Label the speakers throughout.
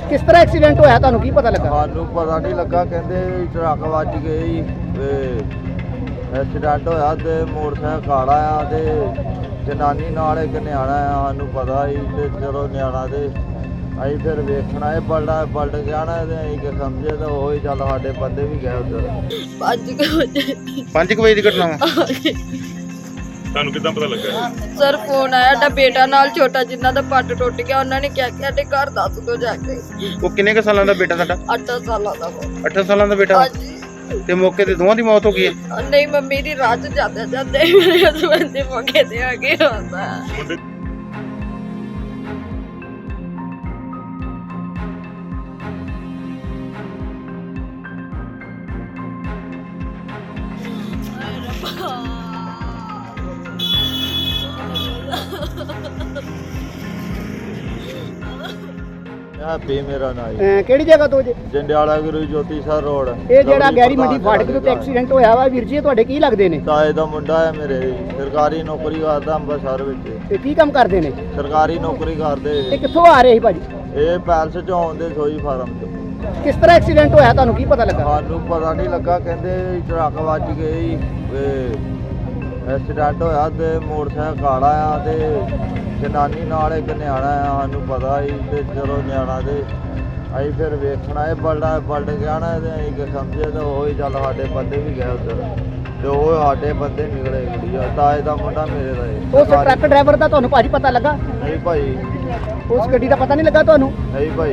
Speaker 1: ਕਿਸ ਤਰ੍ਹਾਂ ਐਕਸੀਡੈਂਟ ਹੋਇਆ, ਤੁਹਾਨੂੰ ਕੀ ਪਤਾ ਲੱਗਾ?
Speaker 2: ਸਾਨੂੰ ਪਤਾ ਨਹੀਂ ਲੱਗਾ, ਕਹਿੰਦੇ ਟਰੱਕ ਵੱਜ ਗਈ ਤੇ ਐਕਸੀਡੈਂਟ ਹੋਇਆ ਤੇ ਮੋਟਰਸਾਈਕਲ ਕਾਲਾ ਆ ਤੇ ਜਨਾਨੀ ਨਾਲ ਇੱਕ ਨਿਆਣਾ ਆ। ਸਾਨੂੰ ਪਤਾ ਸੀ ਤੇ ਚਲੋ ਨਿਆਣਾ ਤੇ ਅਸੀਂ ਫਿਰ ਵੇਖਣਾ ਇਹ ਪਲਟ ਗਿਆ ਨਾ ਤੇ ਅਸੀਂ ਕਿ ਸਮਝੇ ਤਾਂ ਉਹ ਹੀ ਚੱਲ ਸਾਡੇ ਬੰਦੇ ਵੀ ਗਏ ਉੱਧਰ।
Speaker 3: 5 ਵਜੇ ਦੀ ਘਟਨਾ ਵਾ।
Speaker 4: ਤੁਹਾਨੂੰ ਕਿੱਦਾਂ ਪਤਾ ਲੱਗਾ?
Speaker 5: ਸਰ ਫੋਨ ਆਇਆ, ਸਾਡਾ ਬੇਟਾ ਨਾਲ ਛੋਟਾ ਜਿੰਨਾ ਦਾ ਪੱਟ ਟੁੱਟ ਗਿਆ, ਉਹਨਾਂ ਨੇ ਕਿਹਾ ਕਿ ਸਾਡੇ ਘਰ ਦੱਸ ਦੋ ਜਾ ਕੇ।
Speaker 3: ਉਹ ਕਿੰਨੇ ਕੁ ਸਾਲਾਂ ਦਾ ਬੇਟਾ ਤੁਹਾਡਾ?
Speaker 5: 8 ਸਾਲਾਂ ਦਾ ਉਹ।
Speaker 3: 8 ਸਾਲਾਂ ਦਾ ਬੇਟਾ?
Speaker 5: ਹਾਂਜੀ।
Speaker 3: ਤੇ ਮੌਕੇ ਤੇ ਦੋਵਾਂ ਦੀ ਮੌਤ ਹੋ ਗਈ ਹੈ?
Speaker 5: ਨਹੀਂ, ਮੰਮੀ ਦੀ ਰਾਹ 'ਚ ਜਾਂਦੇ ਜਾਂਦੇ ਮੇਰੇ ਹਸਬੰਦ ਦੇ ਮੌਕੇ ਤੇ ਆ ਕੇ ਹੁੰਦਾ।
Speaker 4: ਮੁੰਡੇ
Speaker 2: ਹੈਪੀ ਮੇਰਾ ਨਾਂ ਜੀ।
Speaker 1: ਕਿਹੜੀ ਜਗ੍ਹਾ ਤੋਂ ਜੇ?
Speaker 2: ਜੰਡਿਆਲਾ ਗੁਰੂ ਜੋਤੀ ਸਰ ਰੋਡ।
Speaker 1: ਇਹ ਜਿਹੜਾ ਗੈਰੀ ਮੰਡੀ ਫਾਟਕ ਦੇ ਉੱਤੇ ਐਕਸੀਡੈਂਟ ਹੋਇਆ ਵਾ ਵੀਰ ਜੀ, ਇਹ ਤੁਹਾਡੇ ਕੀ ਲੱਗਦੇ ਨੇ?
Speaker 2: ਤਾਏ ਦਾ ਮੁੰਡਾ ਹੈ ਮੇਰੇ, ਸਰਕਾਰੀ ਨੌਕਰੀ ਕਰਦਾ ਅੰਮ੍ਰਿਤਸਰ ਵਿੱਚ।
Speaker 1: ਤੇ ਕੀ ਕੰਮ ਕਰਦੇ ਨੇ?
Speaker 2: ਸਰਕਾਰੀ ਨੌਕਰੀ ਕਰਦੇ।
Speaker 1: ਇਹ ਕਿੱਥੋਂ ਆ ਰਹੇ ਸੀ ਭਾਜੀ?
Speaker 2: ਇਹ ਪੈਲਸ ਚੋਂ ਆਉਂਦੇ ਸੋਈ ਫਾਰਮ ਤੋਂ।
Speaker 1: ਕਿਸ ਤਰ੍ਹਾਂ ਐਕਸੀਡੈਂਟ ਹੋਇਆ, ਤੁਹਾਨੂੰ ਕੀ ਪਤਾ ਲੱਗਾ?
Speaker 2: ਸਾਨੂੰ ਪਤਾ ਨਹੀਂ ਲੱਗਾ, ਕਹਿੰਦੇ ਟਰੱਕ ਵੱਜ ਗਈ ਤੇ ਐਕਸੀਡੈਂਟ ਹੋਇਆ ਤੇ ਮੋਟਰਸਾਈਕਲ ਕਾਲਾ ਆ ਤੇ ਜਨਾਨੀ ਨਾਲ ਇੱਕ ਨਿਆਣਾ ਆ। ਸਾਨੂੰ ਪਤਾ ਸੀ ਤੇ ਚਲੋ ਨਿਆਣਾ ਤੇ ਅਸੀਂ ਫਿਰ ਵੇਖਣਾ ਇਹ ਪਲਟ ਗਿਆ ਨਾ ਤੇ ਅਸੀਂ ਕਿ ਸਮਝੇ ਤਾਂ ਉਹ ਹੀ ਚੱਲ ਸਾਡੇ ਬੰਦੇ ਵੀ ਗਏ ਉੱਧਰ ਤੇ ਉਹ ਸਾਡੇ ਬੰਦੇ ਨਿਕਲੇ ਗੁੜੀਆ। ਤਾਏ ਦਾ ਮੁੰਡਾ ਮੇਰੇ ਦਾ ਇਹ।
Speaker 1: ਉਸ ਟਰੱਕ ਡਰਾਈਵਰ ਦਾ ਤੁਹਾਨੂੰ ਭਾਜੀ ਪਤਾ ਲੱਗਾ?
Speaker 2: ਨਹੀਂ ਭਾਈ,
Speaker 1: ਉਸ ਗੱਡੀ ਦਾ ਪਤਾ ਨਹੀਂ ਲੱਗਾ ਤੁਹਾਨੂੰ?
Speaker 2: ਨਹੀਂ ਭਾਈ।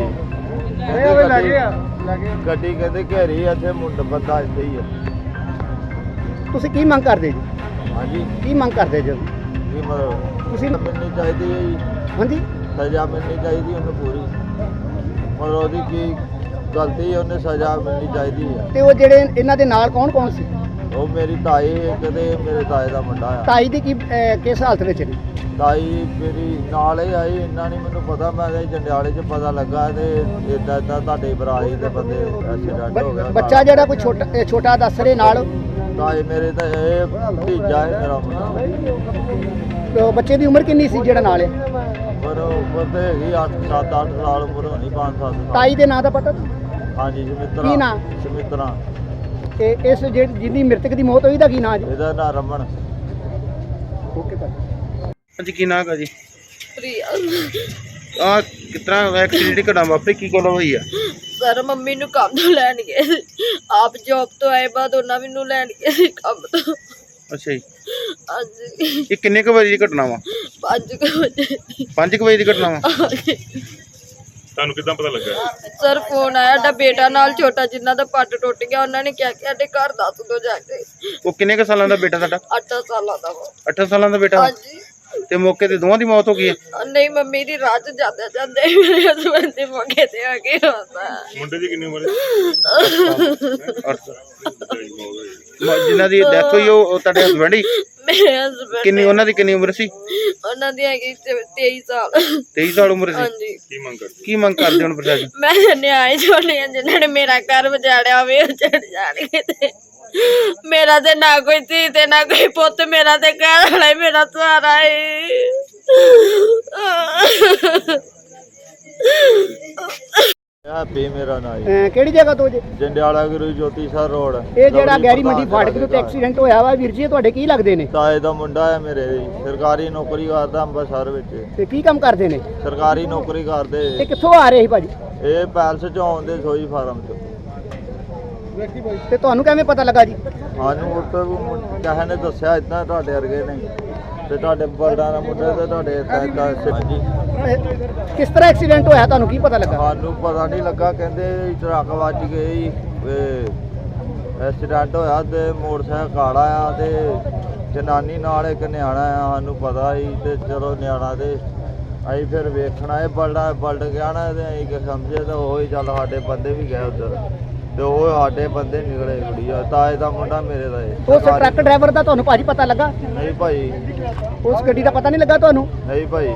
Speaker 2: ਗੱਡੀ ਕਹਿੰਦੇ ਘੇਰੀ ਇੱਥੇ ਮੁੰਡਾ ਬੰਦਾ ਇੱਥੇ ਹੀ ਆ।
Speaker 1: ਤੁਸੀਂ ਕੀ ਮੰਗ ਕਰਦੇ ਜੀ?
Speaker 2: ਹਾਂਜੀ,
Speaker 1: ਕੀ ਮੰਗ ਕਰਦੇ ਜੀ
Speaker 2: ਕੀ ਮਤਲਬ
Speaker 1: ਤੁਸੀਂ?
Speaker 2: ਮਿਲਣੀ ਚਾਹੀਦੀ ਹੈ ਜੀ,
Speaker 1: ਹਾਂਜੀ,
Speaker 2: ਸਜ਼ਾ ਮਿਲਣੀ ਚਾਹੀਦੀ ਉਹਨੂੰ ਪੂਰੀ। ਮਤਲਬ ਉਹਦੀ ਕੀ ਗਲਤੀ ਹੈ, ਉਹਨੇ ਸਜ਼ਾ ਮਿਲਣੀ ਚਾਹੀਦੀ ਹੈ।
Speaker 1: ਤੇ ਉਹ ਜਿਹੜੇ ਇਹਨਾਂ ਦੇ ਨਾਲ ਕੌਣ ਕੌਣ ਸੀ?
Speaker 2: ਉਹ ਮੇਰੀ ਤਾਈ ਇੱਕ ਤੇ ਮੇਰੇ ਤਾਏ ਦਾ ਮੁੰਡਾ ਆ।
Speaker 1: ਤਾਈ ਦੀ ਕੀ ਕਿਸ ਹਾਲਤ ਵਿੱਚ ਨੇ?
Speaker 2: ਤਾਈ ਮੇਰੀ ਨਾਲ ਹੀ ਆਈ, ਇੰਨਾ ਨਹੀਂ ਮੈਨੂੰ ਪਤਾ। ਮੈਂ ਤਾਂ ਜੰਡਿਆਲੇ 'ਚ ਪਤਾ ਲੱਗਾ ਤੇ ਇੱਦਾਂ ਤੁਹਾਡੇ ਬਰਾਈ ਦੇ ਬੰਦੇ ਐਕਸੀਡੈਂਟ ਹੋ ਗਿਆ।
Speaker 1: ਬੱਚਾ ਜਿਹੜਾ ਕੋਈ ਛੋਟਾ ਦੱਸ ਰਹੇ ਨਾਲ,
Speaker 2: ਤਾਏ ਮੇਰੇ ਤਾਂ ਇਹ ਭਤੀਜਾ ਹੈ ਮੇਰਾ ਮੁੰਡਾ।
Speaker 1: ਤੇ ਉਹ ਬੱਚੇ ਦੀ ਉਮਰ ਕਿੰਨੀ ਸੀ ਜਿਹੜਾ ਨਾਲ ਹੈ?
Speaker 2: ਪਰ ਉਮਰ ਤੇ ਹੈਗੀ 7-8 ਸਾਲ ਉਮਰ ਹੋਣੀ, 5-7 ਸਾਲ।
Speaker 1: ਤਾਈ ਦੇ ਨਾਂ ਦਾ ਪਤਾ?
Speaker 2: ਹਾਂਜੀ, ਸਮਿਤਰਾ।
Speaker 1: ਕੀ ਨਾਂ?
Speaker 2: ਸਮਿਤਰਾ।
Speaker 1: ਤੇ ਇਸ ਜਿਹਦੀ ਮ੍ਰਿਤਕ ਦੀ ਮੌਤ ਹੋਈ ਦਾ ਕੀ ਨਾਂ ਜੀ?
Speaker 2: ਇਹਦਾ ਨਾਂ ਰਮਨ।
Speaker 1: ਓਕੇ ਭਾਜੀ।
Speaker 3: ਹਾਂਜੀ, ਕੀ ਨਾਂ ਹੈ ਜੀ?
Speaker 5: ਪ੍ਰਿਆ।
Speaker 3: ਆ ਕਿਤਨਾ ਐਕਸੀਡੈਂਟ ਦੀ ਘਟਨਾ ਵਾਪਰੀ, ਕੀ ਗੱਲ ਹੋਈ ਆ?
Speaker 5: ਸਰ ਮੰਮੀ ਨੂੰ ਕੰਮ ਤੋਂ ਲੈਣ ਗਏ ਸੀ। ਆਪ ਜੌਬ ਤੋਂ ਆਏ ਬਾਅਦ ਉਹਨਾਂ ਮੈਨੂੰ ਲੈਣ ਗਏ ਸੀ ਕੰਮ ਤੋਂ।
Speaker 3: ਅੱਛਾ ਜੀ।
Speaker 5: ਹਾਂਜੀ।
Speaker 3: ਇਹ ਕਿੰਨੇ ਕੁ ਵਜੇ ਦੀ ਘਟਨਾ ਵਾ?
Speaker 5: 5 ਵਜੇ।
Speaker 3: 5 ਵਜੇ ਦੀ ਘਟਨਾ ਵਾ।
Speaker 4: ਤੁਹਾਨੂੰ ਕਿੱਦਾਂ ਪਤਾ ਲੱਗਾ?
Speaker 5: ਸਰ ਫੋਨ ਆਇਆ, ਸਾਡਾ ਬੇਟਾ ਨਾਲ ਛੋਟਾ ਜਿੰਨਾ ਦਾ ਪੱਟ ਟੁੱਟ ਗਿਆ, ਉਹਨਾਂ ਨੇ ਕਿਹਾ ਕਿ ਸਾਡੇ ਘਰ ਦੱਸ ਦੋ ਜਾ ਕੇ।
Speaker 3: ਉਹ ਕਿੰਨੇ ਕੁ ਸਾਲਾਂ ਦਾ ਬੇਟਾ ਤੁਹਾਡਾ?
Speaker 5: 8 ਸਾਲਾਂ ਦਾ ਉਹ।
Speaker 3: 8 ਸਾਲਾਂ ਦਾ ਬੇਟਾ?
Speaker 5: ਹਾਂਜੀ।
Speaker 3: ਤੇ ਮੌਕੇ ਤੇ ਦੋਵਾਂ ਦੀ ਮੌਤ ਹੋ ਗਈ ਹੈ?
Speaker 5: ਨਹੀਂ, ਮੰਮੀ ਦੀ ਰਾਹ 'ਚ ਜਾਂਦੇ ਜਾਂਦੇ ਮੇਰੇ ਹਸਬੰਦ ਦੇ ਮੌਕੇ ਤੇ ਆ ਕੇ ਹੁੰਦਾ।
Speaker 4: ਮੁੰਡੇ ਦੀ ਕਿੰਨੀ ਉਮਰ ਹੈ?
Speaker 3: ਜਿਨ੍ਹਾਂ ਦੀ ਡੈਥ ਹੋਈ ਉਹ ਤੁਹਾਡੇ ਹਸਬੰਡ ਹੀ?
Speaker 5: ਮੇਰੇ ਹਸਬੰਦ
Speaker 3: ਕਿੰਨੀ ਉਹਨਾਂ ਦੀ ਕਿੰਨੀ ਉਮਰ ਸੀ?
Speaker 5: ਉਹਨਾਂ ਦੀ ਹੈਗੀ 23 ਸਾਲ।
Speaker 3: 23 ਸਾਲ ਉਮਰ ਸੀ?
Speaker 5: ਹਾਂਜੀ।
Speaker 4: ਕੀ ਮੰਗ ਕਰਦੇ
Speaker 3: ਹੁਣ ਪ੍ਰਸ਼ਾਸਨ?
Speaker 5: ਮੈਂ ਨਿਆਏ ਛੋਲੇ ਜਿਨ੍ਹਾਂ ਨੇ ਮੇਰਾ ਘਰ ਵਜਾੜਿਆ ਹੋਵੇ ਉਹ ਚੜ ਜਾਣਗੇ। ਤੇ ਮੇਰਾ ਤੇ ਨਾ ਕੋਈ ਧੀ ਤੇ ਨਾ ਕੋਈ ਪੁੱਤ, ਮੇਰਾ ਤੇ ਘਰ ਵਾਲਾ ਹੀ ਮੇਰਾ ਸਹਾਰਾ ਹੈ।
Speaker 2: ਹੈਪੀ ਮੇਰਾ ਨਾਂ ਜੀ।
Speaker 1: ਕਿਹੜੀ ਜਗ੍ਹਾ ਤੋਂ ਜੇ?
Speaker 2: ਜੰਡਿਆਲਾ ਗੁਰੂ ਜੋਤੀ ਸਰ ਰੋਡ।
Speaker 1: ਇਹ ਜਿਹੜਾ ਗੈਰੀ ਮੰਡੀ ਫਾਟਕ ਦੇ ਉੱਤੇ ਐਕਸੀਡੈਂਟ ਹੋਇਆ ਵਾ ਵੀਰ ਜੀ, ਇਹ ਤੁਹਾਡੇ ਕੀ ਲੱਗਦੇ ਨੇ?
Speaker 2: ਤਾਏ ਦਾ ਮੁੰਡਾ ਹੈ ਮੇਰੇ, ਸਰਕਾਰੀ ਨੌਕਰੀ ਕਰਦਾ ਅੰਮ੍ਰਿਤਸਰ ਵਿੱਚ।
Speaker 1: ਤੇ ਕੀ ਕੰਮ ਕਰਦੇ ਨੇ?
Speaker 2: ਸਰਕਾਰੀ ਨੌਕਰੀ
Speaker 1: ਤੇ
Speaker 2: ਕਰਦੇ।
Speaker 1: ਕਿੱਥੋਂ ਆ ਰਹੇ ਸੀ ਭਾਜੀ?
Speaker 2: ਇਹ ਪੈਲਸ ਚੋਂ ਆਉਂਦੇ ਸੋਈ ਫਾਰਮ ਤੋਂ।
Speaker 1: ਤੇ ਤੁਹਾਨੂੰ ਕਿਵੇਂ ਪਤਾ ਲੱਗਾ ਜੀ?
Speaker 2: ਸਾਨੂੰ ਉੱਥੇ ਕਿਸੇ ਨੇ ਦੱਸਿਆ ਇਦਾਂ ਤੁਹਾਡੇ ਵਰਗੇ ਨੇ ਤੇ ਤੁਹਾਡੇ ਬਲਦਾਂ ਦਾ ਮੁੰਡਾ ਤੇ ਤੁਹਾਡੇ ਏਦਾਂ। ਹਾਂਜੀ।
Speaker 1: ਕਿਸ ਤਰ੍ਹਾਂ ਐਕਸੀਡੈਂਟ ਹੋਇਆ, ਤੁਹਾਨੂੰ ਕੀ ਪਤਾ ਲੱਗਾ?
Speaker 2: ਸਾਨੂੰ ਪਤਾ ਨਹੀਂ ਲੱਗਾ, ਕਹਿੰਦੇ ਟਰੱਕ ਵੱਜ ਗਈ ਤੇ ਐਕਸੀਡੈਂਟ ਹੋਇਆ ਤੇ ਮੋਟਰਸਾਈਕਲ ਕਾਲਾ ਆ ਤੇ ਜਨਾਨੀ ਨਾਲ ਇੱਕ ਨਿਆਣਾ ਆ। ਸਾਨੂੰ ਪਤਾ ਸੀ ਤੇ ਚਲੋ ਨਿਆਣਾ ਤੇ ਅਸੀਂ ਫਿਰ ਵੇਖਣਾ ਇਹ ਪਲਟ ਗਿਆ ਨਾ ਤੇ ਅਸੀਂ ਕਿ ਸਮਝੇ ਤਾਂ ਉਹ ਹੀ ਚੱਲ ਸਾਡੇ ਬੰਦੇ ਵੀ ਗਏ ਉੱਧਰ ਤੇ ਉਹ ਸਾਡੇ ਬੰਦੇ ਨਿਕਲੇ ਗੁੜੀਆ। ਤਾਏ ਦਾ ਮੁੰਡਾ ਮੇਰੇ ਦਾ ਇਹ।
Speaker 1: ਉਸ ਟਰੱਕ ਡਰਾਈਵਰ ਦਾ ਤੁਹਾਨੂੰ ਭਾਜੀ ਪਤਾ ਲੱਗਾ?
Speaker 2: ਨਹੀਂ ਭਾਈ।
Speaker 1: ਉਸ ਗੱਡੀ ਦਾ ਪਤਾ ਨਹੀਂ ਲੱਗਾ ਤੁਹਾਨੂੰ?
Speaker 2: ਨਹੀਂ ਭਾਈ।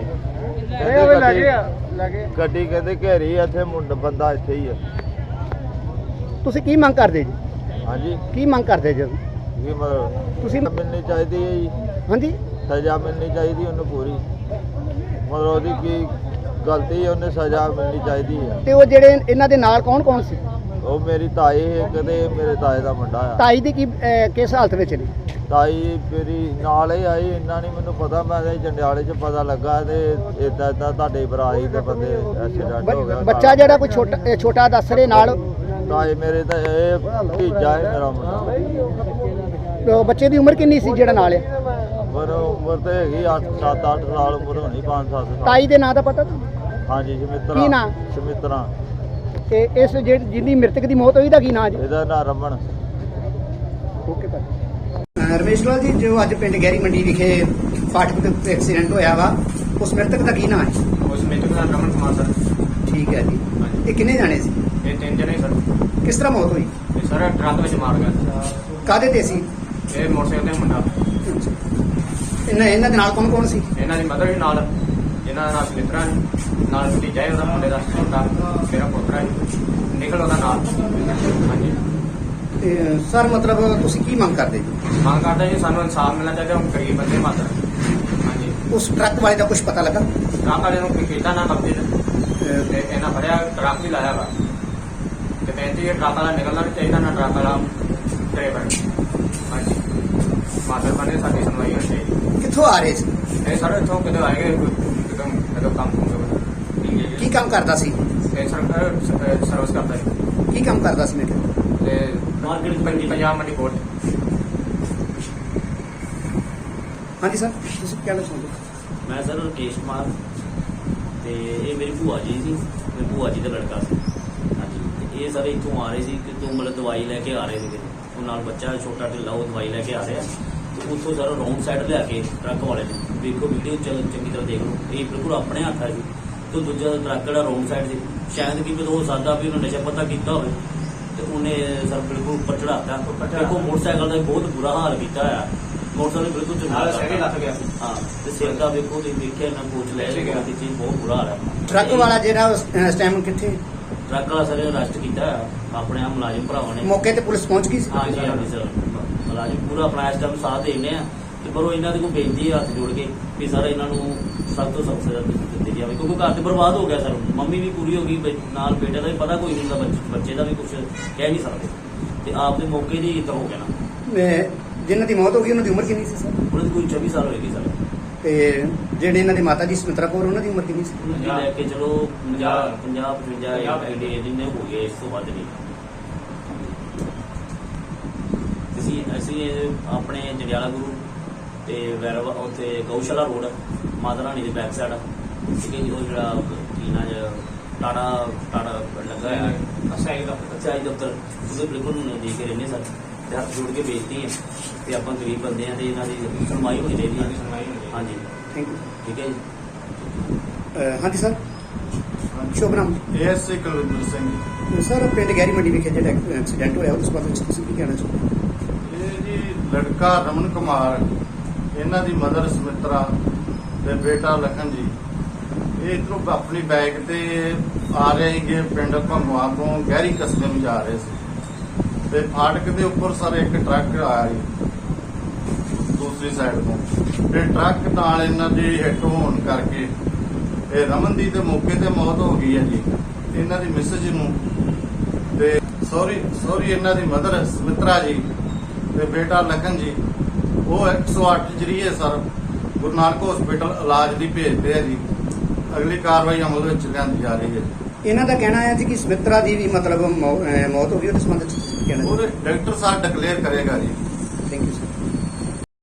Speaker 2: ਗੱਡੀ ਕਹਿੰਦੇ ਘੇਰੀ ਇੱਥੇ ਮੁੰਡਾ ਬੰਦਾ ਇੱਥੇ ਹੀ ਆ।
Speaker 1: ਤੁਸੀਂ ਕੀ ਮੰਗ ਕਰਦੇ ਜੀ?
Speaker 2: ਹਾਂਜੀ,
Speaker 1: ਕੀ ਮੰਗ ਕਰਦੇ ਜੀ
Speaker 2: ਕੀ ਮਤਲਬ
Speaker 1: ਤੁਸੀਂ?
Speaker 2: ਮਿਲਣੀ ਚਾਹੀਦੀ ਹੈ ਜੀ,
Speaker 1: ਹਾਂਜੀ,
Speaker 2: ਸਜ਼ਾ ਮਿਲਣੀ ਚਾਹੀਦੀ ਉਹਨੂੰ ਪੂਰੀ। ਮਤਲਬ ਉਹਦੀ ਕੀ ਗਲਤੀ ਉਹਨੇ ਸਜ਼ਾ ਮਿਲਣੀ ਚਾਹੀਦੀ ਹੈ।
Speaker 1: ਤੇ ਉਹ ਜਿਹੜੇ ਇਹਨਾਂ ਦੇ ਨਾਲ ਕੌਣ ਕੌਣ ਸੀ?
Speaker 2: ਉਹ ਮੇਰੀ ਤਾਈ ਹੈ, ਕਦੇ ਮੇਰੇ ਤਾਏ ਦਾ ਮੁੰਡਾ ਆ।
Speaker 1: ਤਾਈ ਦੀ ਕੀ ਕਿਸ ਹਾਲਤ ਵਿੱਚ ਨੇ?
Speaker 2: ਤਾਈ ਮੇਰੀ ਨਾਲ ਹੀ ਆਈ, ਇੰਨਾ ਨਹੀਂ ਮੈਨੂੰ ਪਤਾ। ਮੈਂ ਤਾਂ ਜੰਡਿਆਲੇ 'ਚ ਪਤਾ ਲੱਗਾ ਤੇ ਇਦਾਂ ਤੁਹਾਡੇ ਬਰਾਈ ਦੇ ਬੰਦੇ ਐਕਸੀਡੈਂਟ ਹੋ ਗਿਆ।
Speaker 1: ਬੱਚਾ ਜਿਹੜਾ ਕੋਈ ਛੋਟਾ ਦੱਸ ਰਹੇ ਨਾਲ,
Speaker 2: ਤਾਏ ਮੇਰੇ ਤਾਂ ਇਹ ਭਤੀਜਾ ਹੈ ਮੇਰਾ ਮੁੰਡਾ।
Speaker 1: ਉਹ ਬੱਚੇ ਦੀ ਉਮਰ ਕਿੰਨੀ ਸੀ ਜਿਹੜਾ ਨਾਲ ਆ?
Speaker 2: ਪਰ ਉਮਰ ਤੇ ਹੈਗੀ 7-8 ਸਾਲ ਉਮਰ ਹੋਣੀ, 5-7 ਸਾਲ।
Speaker 1: ਤਾਈ ਦੇ ਨਾਂ ਦਾ ਪਤਾ ਤੁਹਾਨੂੰ?
Speaker 2: ਹਾਂਜੀ ਸ਼ਮਿਤਰਾ।
Speaker 1: ਕੀ ਨਾਂ?
Speaker 2: ਸ਼ਮਿਤਰਾ।
Speaker 1: ਤੇ ਇਸ ਜਿਹਦੀ ਮ੍ਰਿਤਕ ਦੀ ਮੌਤ ਹੋਈ ਦਾ ਕੀ ਨਾਂ ਜੀ?
Speaker 2: ਇਹਦਾ ਨਾਂ ਰਮਨ।
Speaker 1: ਓਕੇ ਭਾਈ। ਰਮੇਸ਼ ਲਾਲ ਜੀ, ਜੋ ਅੱਜ ਪਿੰਡ ਗਹਿਰੀ ਮੰਡੀ ਵਿਖੇ ਫਾਟਕ ਦੇ ਉੱਤੇ ਐਕਸੀਡੈਂਟ ਹੋਇਆ ਵਾ, ਉਸ ਮ੍ਰਿਤਕ ਦਾ ਕੀ ਨਾਂ ਹੈ?
Speaker 6: ਉਸ ਮ੍ਰਿਤਕ ਦਾ ਰਮਨ ਕੁਮਾਰ ਸਰ।
Speaker 1: ਠੀਕ ਹੈ ਜੀ। ਇਹ ਕਿੰਨੇ ਜਾਣੇ ਸੀ?
Speaker 6: ਇਹ 3 ਜਣੇ ਸਰ।
Speaker 1: ਕਿਸ ਤਰ੍ਹਾਂ ਮੌਤ ਹੋਈ?
Speaker 6: ਇਹ ਸਰ ਟਰੱਕ ਵਿੱਚ ਮਾਰ ਗਿਆ।
Speaker 1: ਕਾਹਦੇ ਤੇ ਸੀ?
Speaker 6: ਇਹ ਮੋਟਰਸਾਈਕਲ ਤੇ ਮੁੰਡਾ।
Speaker 1: ਇਹਨਾਂ ਦੇ ਨਾਲ ਕੌਣ ਕੌਣ ਸੀ?
Speaker 6: ਇਹਨਾਂ ਦੀ ਮਦਰ ਵੀ ਨਾਲ। ਇਹਨਾਂ ਦਾ ਨਾਮ ਸਮਿਤਰਾ ਹੈ, ਨਾਲ ਭਤੀਜਾ ਹੈ ਉਹਦਾ ਮੁੰਡੇ ਦਾ ਛੋਟਾ, ਮੇਰਾ ਪੋਤਰਾ ਹੈ ਨਿਕਲ ਉਹਦਾ ਨਾਲ। ਹਾਂਜੀ
Speaker 1: ਸਰ, ਮਤਲਬ ਤੁਸੀਂ ਕੀ ਮੰਗ ਕਰਦੇ ਜੀ?
Speaker 6: ਮੰਗ ਕਰਦਾ ਜੀ ਸਾਨੂੰ ਇਨਸਾਫ ਮਿਲਣਾ ਚਾਹੀਦਾ। ਹੁਣ ਗਰੀਬ ਬੰਦੇ ਮਾਤਰ। ਹਾਂਜੀ
Speaker 1: ਉਸ ਟਰੱਕ ਵਾਲੇ ਦਾ ਕੁਝ ਪਤਾ ਲੱਗਾ?
Speaker 6: ਟਰੱਕ ਵਾਲੇ ਨੂੰ ਕੀਤਾ ਨਾ ਕਬਜ਼ੇ ਤੇ ਇਹਨਾਂ ਫੜਿਆ, ਟਰੱਕ ਵੀ ਲਾਇਆ ਵਾ ਤੇ ਬੇਨਤੀ ਹੈ ਟਰੱਕ ਵਾਲਾ ਨਿਕਲਣਾ ਨਹੀਂ ਚਾਹੀਦਾ, ਨਾ ਟਰੱਕ ਵਾਲਾ ਡਰਾਈਵਰ। ਹਾਂਜੀ ਮਾਤਰ ਬਣੇ ਸਾਡੀ ਸੁਣਵਾਈ ਹੋਣੀ ਚਾਹੀਦੀ।
Speaker 1: ਕਿੱਥੋਂ ਆ ਰਹੇ ਸੀ?
Speaker 6: ਇਹ ਸਾਰੇ ਇੱਥੋਂ ਕਿਤੇ ਆਏਗੇ ਇੱਕਦਮ ਕੰਮ
Speaker 1: ਕੀ ਕੰਮ ਕਰਦਾ ਸੀ?
Speaker 6: ਇਹ ਸਰਵਿਸ ਕਰਦਾ ਹੈ
Speaker 1: ਕੀ ਕੰਮ ਕਰਦਾ ਸੀ ਮੈਂ ਕਿਹਾ?
Speaker 6: ਤੇ ਮਾਰਕੀਟ ਪੰਜਾਬ ਮੰਡੀ ਕੋਲ।
Speaker 1: ਹਾਂਜੀ ਸਰ, ਤੁਸੀਂ ਕਹਿਣਾ ਚਾਹੁੰਦੇ?
Speaker 7: ਮੈਂ ਸਰ ਰਕੇਸ਼ ਕੁਮਾਰ ਤੇ ਇਹ ਮੇਰੀ ਭੂਆ ਜੀ ਸੀ, ਮੇਰੀ ਭੂਆ ਜੀ ਦਾ ਲੜਕਾ ਸੀ। ਹਾਂਜੀ ਤੇ ਇਹ ਸਾਰੇ ਇੱਥੋਂ ਆ ਰਹੇ ਸੀ ਕਿ ਤੋਂ ਮਤਲਬ ਦਵਾਈ ਲੈ ਕੇ ਆ ਰਹੇ ਸੀਗੇ। ਉਹ ਨਾਲ ਬੱਚਾ ਛੋਟਾ ਢਿੱਲਾ, ਉਹ ਦਵਾਈ ਲੈ ਕੇ ਆ ਰਿਹਾ ਤੇ ਉੱਥੋਂ ਸਾਰਾ ਰੌਂਗ ਸਾਈਡ ਲਿਆ ਕੇ ਟਰੱਕ ਵਾਲੇ ਨੇ, ਦੇਖੋ ਵੀਡੀਓ ਚੰਗੀ ਤਰ੍ਹਾਂ ਦੇਖ ਲਓ, ਇਹ ਬਿਲਕੁਲ ਆਪਣੇ ਹੱਥ ਆ ਜੀ। ਤੇ ਦੂਜਾ ਟਰੱਕ ਜਿਹੜਾ ਰੌਂਗ ਸਾਈਡ ਸੀ, ਸ਼ਾਇਦ ਕਿ ਹੋ ਸਕਦਾ ਵੀ ਉਹਨੇ ਨਸ਼ਾ ਪਤਾ ਕੀਤਾ ਹੋਵੇ ਤੇ ਉਹਨੇ ਸਰ ਬਿਲਕੁਲ ਉੱਪਰ ਚੜਾਤਾ। ਦੇਖੋ ਮੋਟਰਸਾਈਕਲ ਦਾ ਬਹੁਤ ਬੁਰਾ ਹਾਲ ਕੀਤਾ ਹੋਇਆ। ਮੋਟਰਸਾਈਕਲ ਬਿਲਕੁਲ ਚੰਗਾ
Speaker 6: ਲੱਗ ਗਿਆ।
Speaker 7: ਹਾਂ ਤੇ ਸਿਰ ਦਾ ਵੇਖੋ ਤੁਸੀਂ ਦੇਖਿਆ ਨਾ ਕੋਚ ਲੈ ਗਿਆ ਤੇ ਚੀਜ਼ ਬਹੁਤ ਬੁਰਾ ਹਾਲ ਹੈ।
Speaker 1: ਟਰੱਕ ਵਾਲਾ ਜਿਹੜਾ ਇਸ ਟਾਈਮ ਕਿੱਥੇ?
Speaker 7: ਟਰੱਕ ਵਾਲਾ ਸਰ ਅਰੈਸਟ ਕੀਤਾ ਹੋਇਆ, ਆਪਣੇ ਆ ਮੁਲਾਜ਼ਮ ਭਰਾਵਾਂ ਨੇ।
Speaker 1: ਮੌਕੇ ਤੇ ਪੁਲਿਸ ਪਹੁੰਚ ਗਈ ਸੀ?
Speaker 7: ਹਾਂਜੀ ਹਾਂਜੀ ਸਰ, ਮੁਲਾਜ਼ਮ ਪੂਰਾ ਆਪਣਾ ਇਸ ਟਾਈਮ ਸਾਥ ਦੇਣੇ ਆ ਤੇ ਪਰ ਉਹ ਇਹਨਾਂ ਦੇ ਕੋਲ ਬੇਨਤੀ ਹੈ ਹੱਥ ਜੋੜ ਕੇ ਵੀ ਸਰ ਇਹਨਾਂ ਨੂੰ ਸਖਤ ਤੋਂ ਸਖਤ ਸਜ਼ਾ ਦਿੱਤੀ ਜਾਵੇ, ਕਿਉਂਕਿ ਘਰ ਤੇ ਬਰਬਾਦ ਹੋ ਗਿਆ ਸਰ। ਮੰਮੀ ਵੀ ਪੂਰੀ ਹੋ ਗਈ, ਨਾਲ ਬੇਟੇ ਦਾ ਵੀ ਪਤਾ ਕੋਈ ਨਹੀਂ ਹੁੰਦਾ, ਬੱਚੇ ਦਾ ਵੀ ਕੁਝ ਕਹਿ ਨਹੀਂ ਸਕਦੇ ਤੇ ਆਪ ਦੇ ਮੌਕੇ ਦੀ ਤਾਂ ਹੋ ਗਿਆ ਨਾ।
Speaker 1: ਜਿਨ੍ਹਾਂ ਦੀ ਮੌਤ ਹੋ ਗਈ ਉਹਨਾਂ ਦੀ ਉਮਰ ਕਿੰਨੀ ਸੀ ਸਰ?
Speaker 7: ਉਹਨਾਂ ਦੀ ਕੋਈ 24 ਸਾਲ ਹੋਏਗੀ ਸਰ।
Speaker 1: ਤੇ ਜਿਹੜੇ ਇਹਨਾਂ ਦੇ ਮਾਤਾ ਜੀ ਸਮਿਤਰਾ ਕੌਰ, ਉਹਨਾਂ ਦੀ ਉਮਰ ਕਿੰਨੀ ਸੀ?
Speaker 7: ਜੀ ਲੈ ਕੇ ਚਲੋ 50-55 ਆਈਡੀਆ ਜਿੰਨੇ ਹੋ ਗਏ, ਇਸ ਤੋਂ ਵੱਧ ਨਹੀਂ। ਅਸੀਂ ਆਪਣੇ ਜੰਡਿਆਲਾ ਗੁਰੂ ਤੇ ਵੈਰਵਾ ਉੱਥੇ ਗਊਸ਼ਾਲਾ ਰੋਡ ਮਾਤਾ ਰਾਣੀ ਦੇ ਬੈਕ ਸਾਈਡ, ਠੀਕ ਹੈ ਜੀ। ਉਹ ਜਿਹੜਾ ਕੀ ਨਾ ਟਾੜਾ ਲੱਗਾ ਹੈ ਅਚਾਈ ਦਫ਼ਤਰ, ਉਹਦੇ ਬਿਲਕੁਲ ਦੇਖ ਕੇ ਰਹਿੰਦੇ ਸਰ ਤੇ ਹੱਥ ਜੋੜ ਕੇ ਬੇਨਤੀ ਹੈ ਤੇ ਆਪਾਂ ਗਰੀਬ ਬੰਦੇ ਆ ਤੇ ਇਹਨਾਂ ਦੀ ਸੁਣਵਾਈ ਹੋਣੀ ਚਾਹੀਦੀ ਹੈ। ਹਾਂਜੀ
Speaker 1: ਥੈਂਕ ਯੂ।
Speaker 7: ਠੀਕ ਹੈ ਜੀ।
Speaker 1: ਹਾਂਜੀ ਸਰ, ਸ਼ੁਭ ਨਾਮ?
Speaker 8: ਐਸਏ ਕੁਲਵਿੰਦਰ ਸਿੰਘ।
Speaker 1: ਸਰ, ਪਿੰਡ ਗਹਿਰੀ ਮੰਡੀ ਵਿਖੇ ਜਿਹੜਾ ਐਕਸੀਡੈਂਟ ਹੋਇਆ ਉਸ ਬਾਰੇ ਤੁਸੀਂ ਕੀ ਕਹਿਣਾ ਚਾਹੁੰਦੇ?
Speaker 8: ਇਹ ਜੀ ਲੜਕਾ ਰਮਨ ਕੁਮਾਰ, ਇਹਨਾਂ ਦੀ ਮਦਰ ਸਮਿਤਰਾ ਤੇ ਬੇਟਾ ਲਖਨ ਜੀ, ਇਹ ਇੱਧਰੋਂ ਆਪਣੀ ਬਾਈਕ ਤੇ ਆ ਰਹੇ ਸੀਗੇ ਪਿੰਡ ਭੰਗਵਾ ਤੋਂ ਗਹਿਰੀ ਕਸਬੇ ਨੂੰ ਜਾ ਰਹੇ ਸੀ ਤੇ ਫਾਟਕ ਦੇ ਉੱਪਰ ਸਰ ਇੱਕ ਟਰੱਕ ਆਇਆ ਜੀ ਦੂਸਰੀ ਸਾਈਡ ਤੋਂ, ਤੇ ਟਰੱਕ ਨਾਲ ਇਹਨਾਂ ਦੀ ਹਿੱਟ ਹੋਣ ਕਰਕੇ ਇਹ ਰਮਨ ਦੀ ਤੇ ਮੌਕੇ ਤੇ ਮੌਤ ਹੋ ਗਈ ਹੈ ਜੀ। ਇਹਨਾਂ ਦੀ ਮਿਸਜ ਨੂੰ ਤੇ ਸੌਰੀ ਇਹਨਾਂ ਦੀ ਮਦਰ ਸਮਿਤਰਾ ਜੀ ਤੇ ਬੇਟਾ ਲਖਨ ਜੀ, ਉਹ 108 ਜਰੀਏ ਸਰ ਗੁਰੂ ਨਾਨਕ ਹਸਪੀਟਲ ਇਲਾਜ ਲਈ ਭੇਜਦੇ ਆ ਜੀ। ਅਗਲੀ ਕਾਰਵਾਈ ਅਮਲ ਵਿੱਚ ਲਿਆਂਦੀ ਜਾ ਰਹੀ ਹੈ।
Speaker 1: ਇਹਨਾਂ ਦਾ ਕਹਿਣਾ ਹੈ ਜੀ ਕਿ ਸਮਿਤਰਾ ਦੀ ਵੀ ਮਤਲਬ ਮੌਤ ਹੋ ਗਈ, ਉਹਦੇ ਸੰਬੰਧ ਵਿੱਚ ਕੀ ਕਹਿਣਾ?
Speaker 8: ਉਹਦੇ ਡਾਕਟਰ ਸਾਹਿਬ ਡਿਕਲੇਅਰ ਕਰੇਗਾ ਜੀ।
Speaker 1: Thank you sir.